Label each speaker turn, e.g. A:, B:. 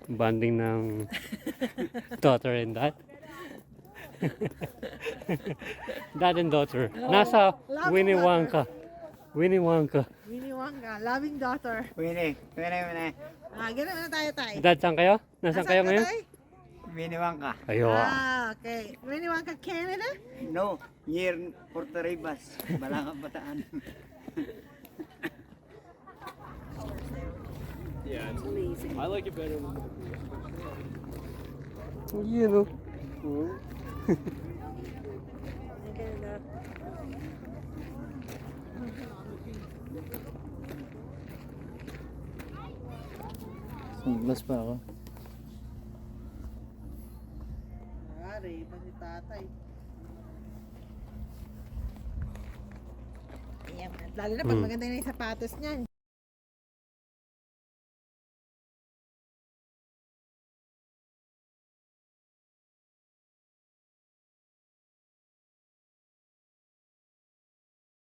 A: Bonding ng daughter and dad. Dad and daughter. Nasa
B: Loving
A: Winnie
B: daughter.
A: Wonka. Winnie Wonka.
B: Winnie Wonka, loving daughter.
C: Winnie.
B: Ganun na tayo, tay.
A: Dad, saan kayo? Nasaan kayo ngayon?
C: Winnie Wonka.
A: Ayo.
B: Okay. Winnie Wonka, Canada?
C: No, near Puerto Ribas. Balakang Bataan.
D: Yeah, I like it better than
A: You know.
B: Canada.
C: Sunglas pa ako.
B: Ari, pa si tatay. Ayan. Lalo na pag maganda na yung sapatos niyan.